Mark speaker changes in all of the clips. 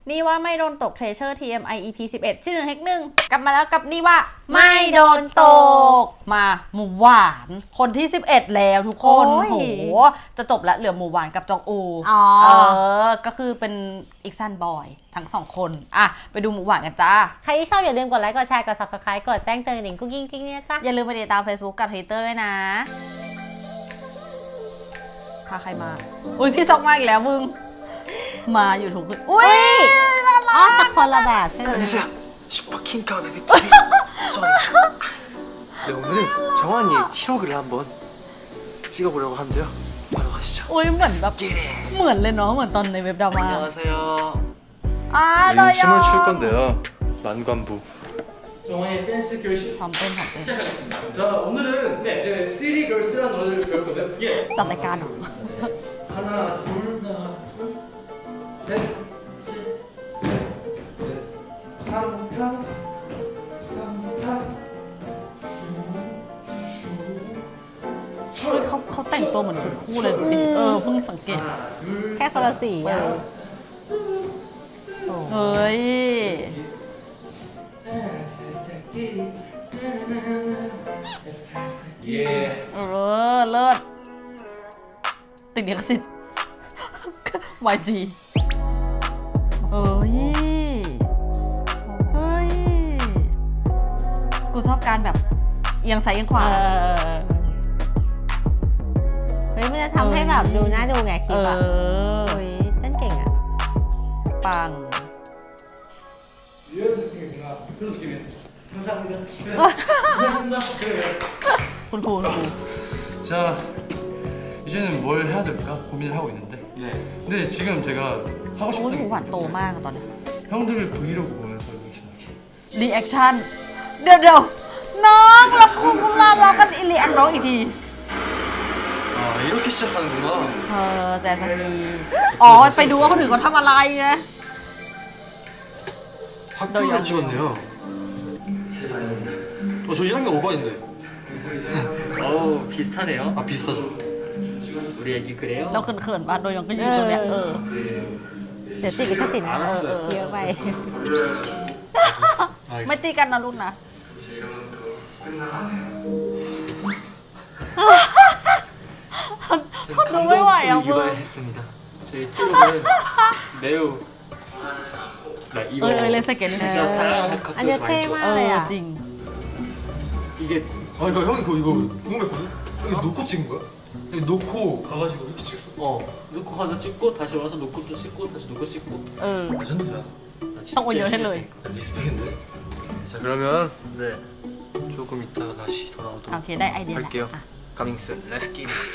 Speaker 1: นี่ว่าไม่โดนตก Treasure TMI EP 11ที่1 Hack 1กลับมาแล้วกับนี่ว่าไม่โดนตกมาหมูหวานคนที่11แล้วทุกคนโหจะจบแล้วเหลือหมูหวานกับจองอูก็คือเป็นอีกซันบอยทั้ง2คนอ่ะไปดูหมูหวานกันจ้า
Speaker 2: ใครที่ชอบอย่าลืมกดไลค์กดแชร์กด Subscribe กดแจ้งเตือนกุ๊กกิ๊งเนี่ยจ้า
Speaker 1: อย่าลืมไปติดตาม Facebook กับ Twitter ด้วยนะพาใครมาอุ้ยพี่ซอกมาอีกแล้วมึงมาอยู่ถูกขึ้นอุ้ย
Speaker 2: อ๋อแต่คนละแบบใช่ไหม
Speaker 3: 슈퍼킹카 베비TV 네, 오늘은 정한이의 티로그를 한번 찍어보려고 하는데요 바로 가시죠
Speaker 1: อุ้ยเหมือนแบบเหมือนเลยเนาะเหมือนตอนในเว็บดราม่า
Speaker 3: 안녕하세요
Speaker 1: 나
Speaker 3: 춤을 출 건데요 만관부
Speaker 4: 정화의 댄스 교실
Speaker 1: ทำเต้น
Speaker 4: 시작하겠습니다. 자, 오늘은 네, 이제 City Girls라는 노래를 배울 건데요. 예.
Speaker 1: จัดรายการเหรอ
Speaker 4: 하나, 둘, 셋, 삼탕,
Speaker 1: เฮ้ยเขาแต่งตัวเหมือนชุดคู่เลยดูดิเพิ่งสังเกต
Speaker 4: 하나, 둘,
Speaker 2: แค่คนละสีอ่ะ
Speaker 1: เฮ้ยเลิศติดลิขสิทธิ์ YG เฮ้ยกูชอบการแบบเอียงซ้ายเอียงขวา
Speaker 2: เฮ้ยมันจะทำให้แบบดูน่าดูไงคลิปอ่ะเฮ้ยเต้นเก่งอ่ะ
Speaker 1: ปัง
Speaker 4: 이런 느낌이구나. 그런 느낌이에요. 감사합니다. 고맙습니다. 그래요.
Speaker 1: คุณครู
Speaker 3: 자 이제는 뭘 해야 될까 고민을 하고 있는데
Speaker 4: 네.
Speaker 3: 근데 지금 제가 하고
Speaker 1: โอ้ยหมู
Speaker 3: 싶은
Speaker 1: หวานโตมากอะตอนนี้
Speaker 3: 형들을 브이로그 보면서 리액션하기
Speaker 1: รีแอคชั่นเดี๋ยวน้องเราคุณเรากันรีแอคน้องอีกที
Speaker 3: 아 이렇게 시작하는구나
Speaker 1: แจสกีอ๋อไปดูว่าคนอื่นเขาทำอะไรไง
Speaker 3: 학교를 찍었네요 저 1학년 5반인데
Speaker 5: 어우 비슷하네요.
Speaker 3: 아 비슷하죠
Speaker 5: 우리 애기 그래요?
Speaker 1: เราเขินๆป่ะโดยยังก็ยืนตรงเนี้ย
Speaker 2: เดี๋ยวติดลิขสิทธิ์นะเยอะไป
Speaker 1: ไม่ตีกันนะลูกนะดูไม่ไหวอ่ะมึง
Speaker 5: 유발했습니다. 저희 팀은 매우 나 이거
Speaker 1: เล่นสเก็ต
Speaker 5: 진짜 다양한
Speaker 2: อันนี้
Speaker 5: 학교에서
Speaker 2: เท่
Speaker 5: 많이
Speaker 2: มาก
Speaker 5: 찍었어요.
Speaker 2: เลยอ่ะ
Speaker 1: จริง
Speaker 5: 이게
Speaker 3: 아 그러니까 형이 이거 궁금했거든? 여기 놓고 찍은 거야? 여기 놓고 가가지고 이렇게 찍었어
Speaker 5: 놓고 가서 찍고 다시 와서 놓고 또 찍고 다시 놓고 찍고.
Speaker 1: เออ
Speaker 3: 레전드야
Speaker 5: 나 진짜
Speaker 1: ต้องโอนเยอะให้เลย
Speaker 3: 리스펙인데 자 그러면 네 조금 이따가 다시
Speaker 1: โอ
Speaker 3: 돌아오도록
Speaker 1: เคได้ไอเดียแล้ว
Speaker 3: 할게요
Speaker 1: อ่ะ
Speaker 3: 가밍스 렛츠기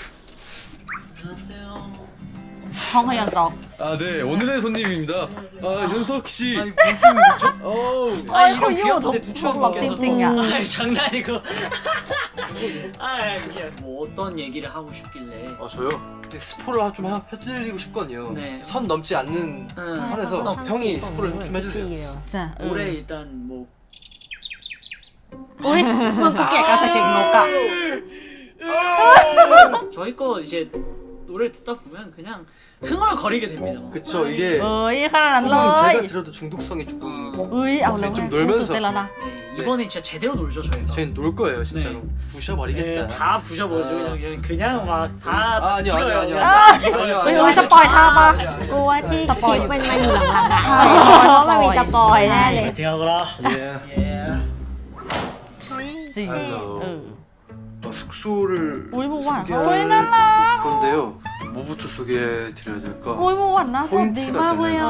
Speaker 1: ห้องพยัญชนะ
Speaker 3: 아네 오늘의 손님입니다 아 윤석 씨
Speaker 5: 아니 무슨 일이죠?
Speaker 3: 어우
Speaker 1: เอ้ยเขาอยู่ทุกบอกจริงๆอ่ะ
Speaker 5: 아이 장난이고. 아 그냥 뭐 어떤 얘기를 하고 싶길래.
Speaker 3: 아 저요? 스포를 좀 해드리고 싶거든요
Speaker 5: 네.
Speaker 3: 선 넘지 않는 선에서 형이 스포를 좀 해주세요
Speaker 1: จ้ะ
Speaker 5: 올해 일단 뭐
Speaker 1: อุ้ยมึงก็เกลียดการใส่เสียงนกอ่ะ
Speaker 5: 저희 거 이제 노래를 듣다 보면 그냥 흥얼거리게 됩니다.
Speaker 3: 그쵸 이게
Speaker 1: เอ้ยขนาดนั้นเล
Speaker 3: 조금
Speaker 1: ย
Speaker 3: 제가 들어도 중독성이 조금
Speaker 1: เอ้ยเอาแล้ว
Speaker 3: 좀
Speaker 1: ตื่น
Speaker 3: 놀면서
Speaker 1: เต้นแล้วนะ
Speaker 5: 네, 이번에 진짜 제대로 놀죠 저희가.
Speaker 3: 저희는 놀 거예요 진짜로
Speaker 5: 네.
Speaker 3: 부셔버리겠다
Speaker 5: 네, 다 부셔버리죠. 그냥 막 다.
Speaker 3: 아니요 아니요 아니요
Speaker 5: 아,
Speaker 3: 아니요
Speaker 1: เฮ้ยสปอยท่าปะ
Speaker 2: กูว่าที่
Speaker 1: สปอย
Speaker 2: มันอยู่หลังๆอ่ะ
Speaker 1: ใช่
Speaker 2: เพราะว่ามันมีสปอยแน่เลย
Speaker 5: 파이팅하거라.
Speaker 3: 예.
Speaker 5: 예.
Speaker 1: จริง
Speaker 3: Hello.
Speaker 1: เออ
Speaker 3: 숙소를
Speaker 1: อุ้ยหมูหวานเขาเฮ้ยน่ารัก
Speaker 3: 건데요 뭐부터 소개해 드려야 될까
Speaker 1: อุ้ยหมูหวานน่าสดดีมากเลยอ่ะ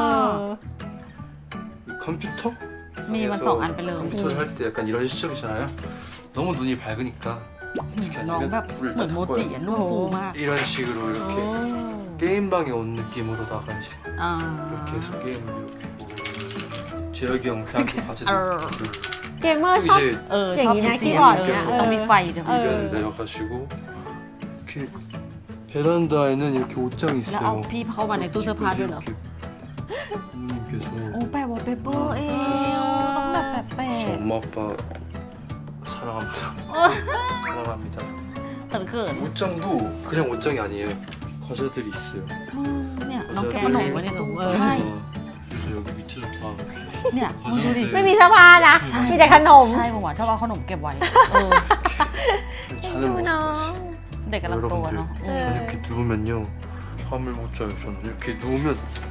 Speaker 3: 이 컴퓨터
Speaker 1: มีมัน2 อันไปเลย
Speaker 3: 컴퓨터를 할 때 약간 이런 시점이잖아요 너무 눈이 밝으니까 어떻게
Speaker 1: น้องแบบ
Speaker 3: 하냐면 불을
Speaker 1: เหมือน
Speaker 3: 다
Speaker 1: โมจิ
Speaker 3: 닦아요
Speaker 1: อ่ะนุ่มฟูมาก
Speaker 3: 이런 식으로 이렇게 게임방에 온 느낌으로다가 이제
Speaker 1: อ่า
Speaker 3: 이렇게 해서 게임을 이렇게 보고 재혁이 형 걔한테 과제도 이렇게
Speaker 2: เกมเมอร์
Speaker 3: 그리고
Speaker 2: ชอบ
Speaker 3: 이제
Speaker 1: เออ
Speaker 2: อย่าง
Speaker 1: ชอบ
Speaker 2: นี้
Speaker 1: สี
Speaker 2: นะ
Speaker 1: เสียง
Speaker 2: คีย์บอร์ดเนี่ย
Speaker 1: ต้องมีไฟด้วย
Speaker 3: 의견을 내려가지고 이렇게 베란다에는 이렇게 옷장이
Speaker 1: แล้วเอา
Speaker 3: 있어요
Speaker 1: พี่เข้ามาในตู้เสื้อผ้าด้วยเหรอ
Speaker 3: 이렇게 부모님께서
Speaker 1: โอ้แปะวอลเปเปอร์เองต้องแบบแปะ
Speaker 3: 저 엄마 아빠 사랑합니다. 사랑합니다.
Speaker 1: เขินเขิน
Speaker 3: 옷장도 그냥 옷장이 아니에요. 과자들이 있어요.
Speaker 1: เนี่ยน้องแกะขนมไว้ในตู้ใช่
Speaker 3: 그래서 여기 밑에
Speaker 1: เนี่ยมึงดูดิ
Speaker 2: ไม่มีเสื้อผ้านะ มีแต่ขนม
Speaker 1: ใช่หมูหวานชอบเอาขนมเก็บไว้เออ
Speaker 3: 잔을
Speaker 2: 어머나.
Speaker 3: 먹었어요.
Speaker 1: เด็กกำลังโตอะเนาะ
Speaker 3: 저는 이렇게 누우면요 잠을 못 자요. 저는 이렇게 누우면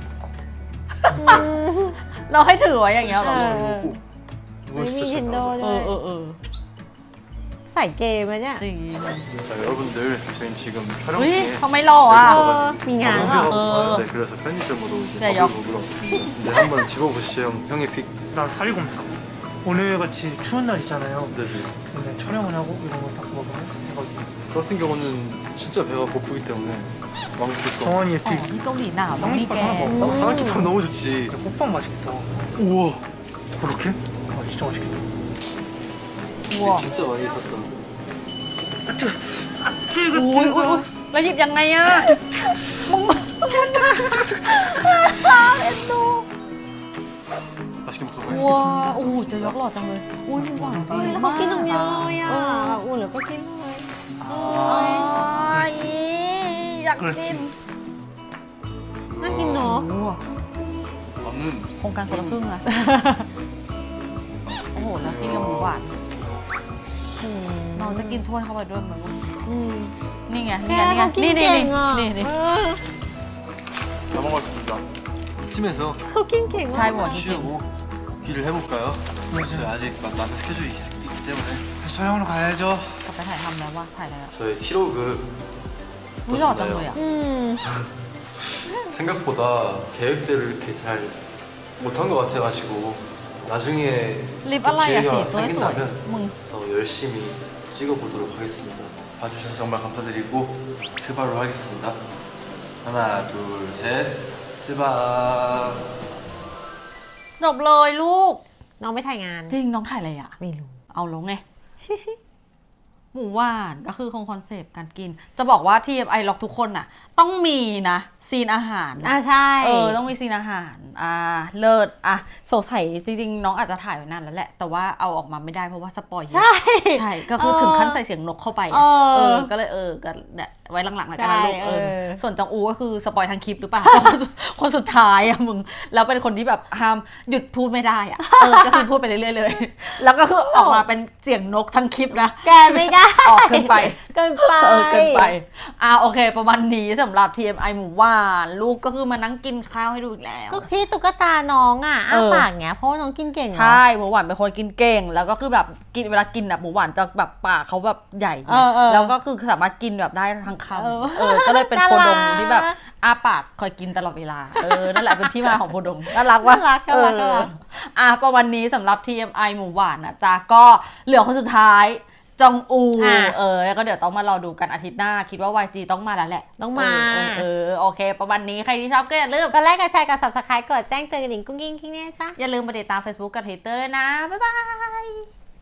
Speaker 1: เราให้ถือไว้อย่างเงี้ยเหรอ
Speaker 3: 잘 오고 누워
Speaker 2: 왜
Speaker 3: 진짜 잘
Speaker 2: 닌텐도
Speaker 3: 나와요.
Speaker 1: เออ
Speaker 2: ใส่เกมไหมเนี่ย
Speaker 1: จริง
Speaker 3: 자 여러분들 저희는 지금 촬영
Speaker 1: เฮ้ย
Speaker 3: 중에
Speaker 1: เขาไม่หล่ออ่ะ
Speaker 2: มีงาน
Speaker 3: 아,
Speaker 2: เปล่า
Speaker 3: 네, 그래서 편의점으로 이제
Speaker 1: 네,
Speaker 3: 밥을
Speaker 1: 역.
Speaker 3: 먹으러 왔습니다. 네, 한번 집어보시죠. 형의 픽.
Speaker 6: 난 살곰탕. 오늘 같이 추운 날 있잖아요.
Speaker 3: 네네.
Speaker 6: 근데 촬영을 하고 이런 거 다 먹으면 대박이에요.
Speaker 3: 저 같은 경우는 진짜 배가 고프기 때문에 왕실 거.
Speaker 6: 정원이의
Speaker 1: อ๋อ
Speaker 6: 픽.
Speaker 1: ที่เกาหลีหนาวต้องมีแกง
Speaker 3: 나 사랑키밥 너무 좋지.
Speaker 6: 호빵 맛있겠다.
Speaker 3: 우와. 그렇게?
Speaker 6: 아, 진짜 맛있겠다.
Speaker 1: วัว
Speaker 3: 진짜 많이 샀다.
Speaker 1: อุ้ยแล้วหยิบยังไงอ่ะมึง
Speaker 3: 맛있게 먹도록
Speaker 1: วัว
Speaker 3: 하겠습니다.
Speaker 1: โอ้โหจะยกหล่อจังเลยอุ้ยหวาน
Speaker 2: เฮ้ยแล้วเขากินตรงเนี้ยเลยอ่ะแบบอุ่นหรือก็กินเลย
Speaker 1: อ๋ออยากกิน
Speaker 2: น่ากินเนาะ
Speaker 1: โอ้โห
Speaker 3: 나는
Speaker 1: โครงการคนละครึ่งอะโอ้โหแล้วกินกับหมูหวานเราจะกินถ้วยเข้าไปด้วยไหมวะ
Speaker 2: อืม
Speaker 1: นี่ไง
Speaker 2: แก
Speaker 1: นี่ไง
Speaker 2: เขากิน
Speaker 1: นี่
Speaker 2: เก่งอ่ะ
Speaker 1: นี่
Speaker 2: เออ
Speaker 3: 넘어가겠습니다. 이쯤에서
Speaker 2: เขากินเก่ง
Speaker 1: ใช่
Speaker 2: มาก
Speaker 1: หมดจริง
Speaker 3: 쉬고 귀를 해볼까요? 저희 아직 남은 스케줄이 있기 때문에
Speaker 6: 다시 촬영하러 가야죠.
Speaker 1: กลับไปถ่ายทำแล้วว่าถ่ายแล้ว
Speaker 3: 저의 티로그
Speaker 1: อุ้ยหล่อจังเลยอ่ะ
Speaker 2: อืม
Speaker 3: 생각보다 계획대로 이렇게 잘 못한 것 같아가지고 나중에
Speaker 1: ลิปอะไรอ่ะสีสวย
Speaker 3: 생긴다면
Speaker 1: ๆมึง
Speaker 3: 더 열심히 찍어보도록 하겠습니다. 봐주셔서 정말 감사드리고 트바로 하겠습니다. 하나, 둘, 셋, 트바.
Speaker 1: จบเลยลูก
Speaker 2: น้องไม่ถ่ายงาน
Speaker 1: จริงน้องถ่ายอะไรอ่ะ
Speaker 2: ไม่รู้
Speaker 1: เอาแล้วไง หมูหวานก็คือคอนเซปต์การกิน จะบอกว่า TMI ล็อกทุกคนน่ะ ต้องมีนะซีนอาหารนะ
Speaker 2: ใช่
Speaker 1: ต้องมีซีนอาหาร เลิศสงสัยจริงๆ น้องอาจจะถ่ายไว้นานแล้วแหละ แต่ว่าเอาออกมาไม่ได้เพราะว่าสปอยเยอะ
Speaker 2: ใช่
Speaker 1: ใช่ ก็คือถึงขั้นใส่เสียงนกเข้าไปอะ ก็เลยก็เนี่ยไว้หลังๆแล้วกันนะลูก
Speaker 2: ใช่
Speaker 1: ส่วนจองอูก็คือสปอยทั้งคลิปหรือเปล่า คนสุดท้ายอะมึง แล้วเป็นคนที่แบบห้ามหยุดพูดไม่ได้อะก็คือพูดไปเรื่อยๆเลย แล้วก็คือออกมาเป็นเสียงนกทั้งคลิปนะ
Speaker 2: แกไม่ได้
Speaker 1: ออกเกินไป
Speaker 2: เกินไป
Speaker 1: เกินไปโอเค ประมาณนี้สำหรับ TMI หมูหวานลูกก็คือมานั่งกินข้าวให้ดูอีกแล้ว
Speaker 2: ก็ที่ตุ๊กตาน้องอ่ะอ้าปากเงี้ยเพราะว่าน้องกินเก่งเนอะ
Speaker 1: ใช่หมูหวานเป็นคนกินเก่ง แล้วก็คือแบบกินเวลากินแบบหมูหวานจะแบบปากเขาแบบใหญ่ไงแล้วก็คือสามารถกินแบบได้ทั้งคำก็เลยเป็นโคดงที่แบบอ้าปากคอยกินตลอดเวลานั่นแหละเป็นที่มาของโคดงน่ารักวะ
Speaker 2: น่ารัก
Speaker 1: ประมาณนี้สำหรับ TMI หมูหวานนะจ๊ะก็เหลือคนสุดท้ายจองอูแล้วก็เดี๋ยวต้องมารอดูกันอาทิตย์หน้า คิดว่า YG ต้องมาแล้วแหละ
Speaker 2: ต้องมา
Speaker 1: โอเค ประมาณนี้ใครที่ชอบก็อย่าลืม
Speaker 2: กดไลค์กดแชร์กด subscribe กดแจ้งเตือนกระดิ่งกุ้งกิ้งกิ้งเนี่ยจ้ะ
Speaker 1: อย่าลืมไปติดตาม Facebook กับ Twitter ด้วยนะ บ๊ายบาย